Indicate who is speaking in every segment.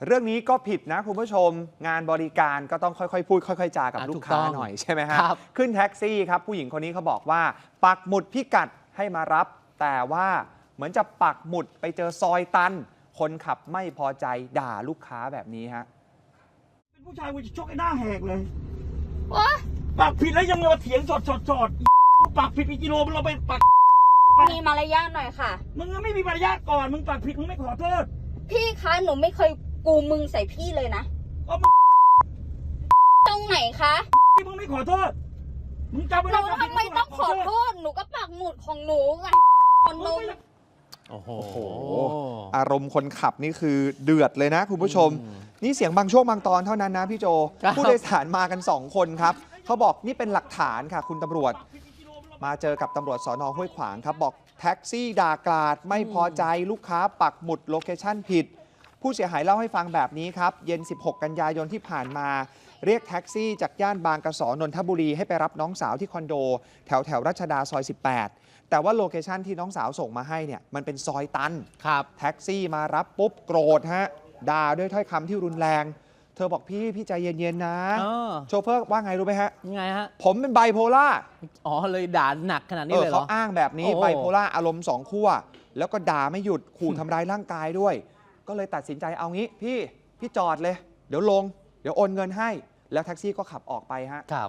Speaker 1: เรื่องนี้ก็ผิดนะคุณผู้ชมงานบริการก็ต้องค่อยๆพูดค่อยๆจากับลูกค้าหน่อยใช่ไหมฮะขึ้นแท็กซี่ครับผู้หญิงคนนี้เขาบอกว่าปักหมุดพิกัดให้มารับแต่ว่าเหมือนจะปักหมุดไปเจอซอยตันคนขับไม่พอใจด่าลูกค้าแบบนี้ฮะ
Speaker 2: เป็นผู้ชายกูจะชกไอ้หน้าแหกเลยว
Speaker 3: ะ
Speaker 2: ปักผิดแล้วยังมาเถียงสดปักผิดกี่กิโลเราไปปัก
Speaker 3: มีมารยาทหน่อยค่ะ
Speaker 2: มึงก็ไม่มีมารยาทก่อนมึงปักผิดมึงไม่ขอโทษ
Speaker 3: พี่คะหนูไม่เคยกูมึงใส่พี่เลยนะ
Speaker 2: ก็มึง
Speaker 3: ตรงไหนคะ
Speaker 2: ที่มึงไม่ขอโทษมึงจำไว้
Speaker 3: หนูทำไมต้องขอโทษหนูก็ปักหมุดของหนูไงคนนู้น
Speaker 1: โอ้โหอารมณ์คนขับนี่คือเดือดเลยนะคุณผู้ชมนี่เสียงบางช่วงบางตอนเท่านั้นนะพี่โจผู้โดยสารมากัน2คนครับเขาบอกนี่เป็นหลักฐานค่ะคุณตำรวจมาเจอกับตำรวจสน.ห้วยขวางครับบอกแท็กซี่ด่ากราดไม่พอใจลูกค้าปักหมุดโลเคชั่นผิดผู้เสียหายเล่าให้ฟังแบบนี้ครับเย็น16กันยายนที่ผ่านมาเรียกแท็กซี่จากย่านบางกระสอนนทบุรีให้ไปรับน้องสาวที่คอนโดแถวรัชดาซอย18แต่ว่าโลเคชั่นที่น้องสาวส่งมาให้เนี่ยมันเป็นซอยตันครับแท็กซี่มารับปุ๊บโกรธฮะด่าด้วยถ้อยคำที่รุนแรงเธอบอกพี่ใจเย็นๆนะโชเฟอร์ว่าไงรู้ไหมฮะ
Speaker 4: ยังไงฮะ
Speaker 1: ผมเป็นไบโพล่า
Speaker 4: อ๋อเลยด่าหนักขนาดนี้เลยเหรอ
Speaker 1: เขาอ้างแบบนี้ไบโพล่าอารมณ์2ขั้วแล้วก็ด่าไม่หยุดขู่ทำร้ายร่างกายด้วยก็เลยตัดสินใจเอางี้พี่จอดเลยเดี๋ยวลงเดี๋ยวโอนเงินให้แล้วแท็กซี่ก็ขับออกไปฮะ
Speaker 4: ครับ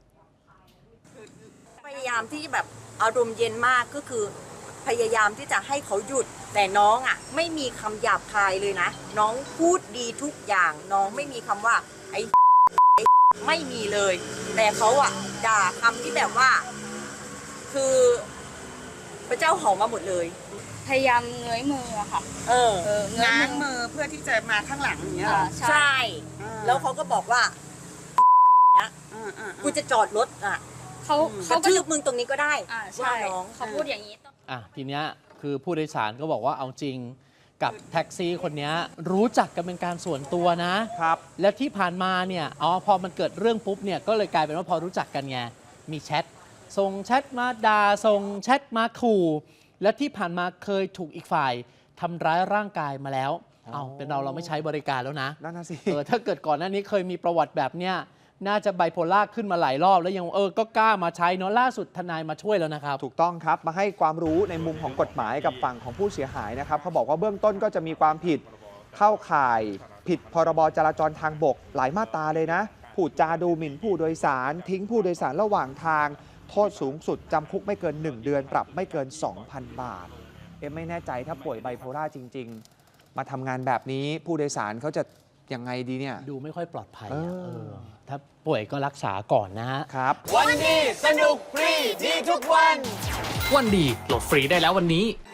Speaker 5: พยายามที่แบบอารมณ์เย็นมากก็คือพยายามที่จะให้เขาหยุดแต่น้องอ่ะไม่มีคำหยาบคายเลยนะน้องพูดดีทุกอย่างน้องไม่มีคำว่าไอ้ไม่มีเลยแต่เขาอ่ะด่าคำที่แบบว่าคือพระเจ้าหอมมาหมดเลย
Speaker 3: พยายามเงยมือค่ะ
Speaker 5: ง้างมือเพื่อที่จะมาข้างหลังอย่างเงี้ยใช่แล้วเขาก็บอกว่าเนี้ยกูจะจอดรถอ่ะเขาทืบมึงตรงนี้ก็ได้
Speaker 3: ว่าน้องเขาพูดอย่างนี้
Speaker 4: ทีเนี้ยคือผู้โดยสารก็บอกว่าเอาจริงกับแท็กซี่คนนี้รู้จักกันเป็นการส่วนตัวนะครับแล้วที่ผ่านมาเนี่ยพอมันเกิดเรื่องปุ๊บเนี่ยก็เลยกลายเป็นว่าพอรู้จักกันไงมีแชทส่งแชทมาด่าส่งแชทมาขู่และที่ผ่านมาเคยถูกอีกฝ่ายทำร้ายร่างกายมาแล้วเป็นเราไม่ใช้บริการแล้วนะ
Speaker 1: นั่นน่ะสิ
Speaker 4: ถ้าเกิดก่อนหน้านี้เคยมีประวัติแบบเนี้ยน่าจะไบโพล่าขึ้นมาหลายรอบแล้วยังก็กล้ามาใช้เนาะล่าสุดทนายมาช่วยแล้วนะครับ
Speaker 1: ถูกต้องครับมาให้ความรู้ในมุมของกฎหมายกับฝั่งของผู้เสียหายนะครับเขาบอกว่าเบื้องต้นก็จะมีความผิดเข้าข่ายผิดพรบจราจรทางบกหลายมาตราเลยนะพูดจาดูหมิ่นผู้โดยสารทิ้งผู้โดยสารระหว่างทางโทษสูงสุดจำคุกไม่เกิน1เดือนปรับไม่เกิน 2,000 บาทไม่แน่ใจถ้าป่วยไบโพล่าจริงๆมาทำงานแบบนี้ผู้โดยสารเขาจะยังไงดีเนี่ย
Speaker 4: ดูไม่ค่อยปลอดภัยถ้าป่วยก็รักษาก่อนนะ
Speaker 1: ครับ
Speaker 6: วันดีสนุกฟรีดีทุกวันวันดีโหลดฟรีได้แล้ววันนี้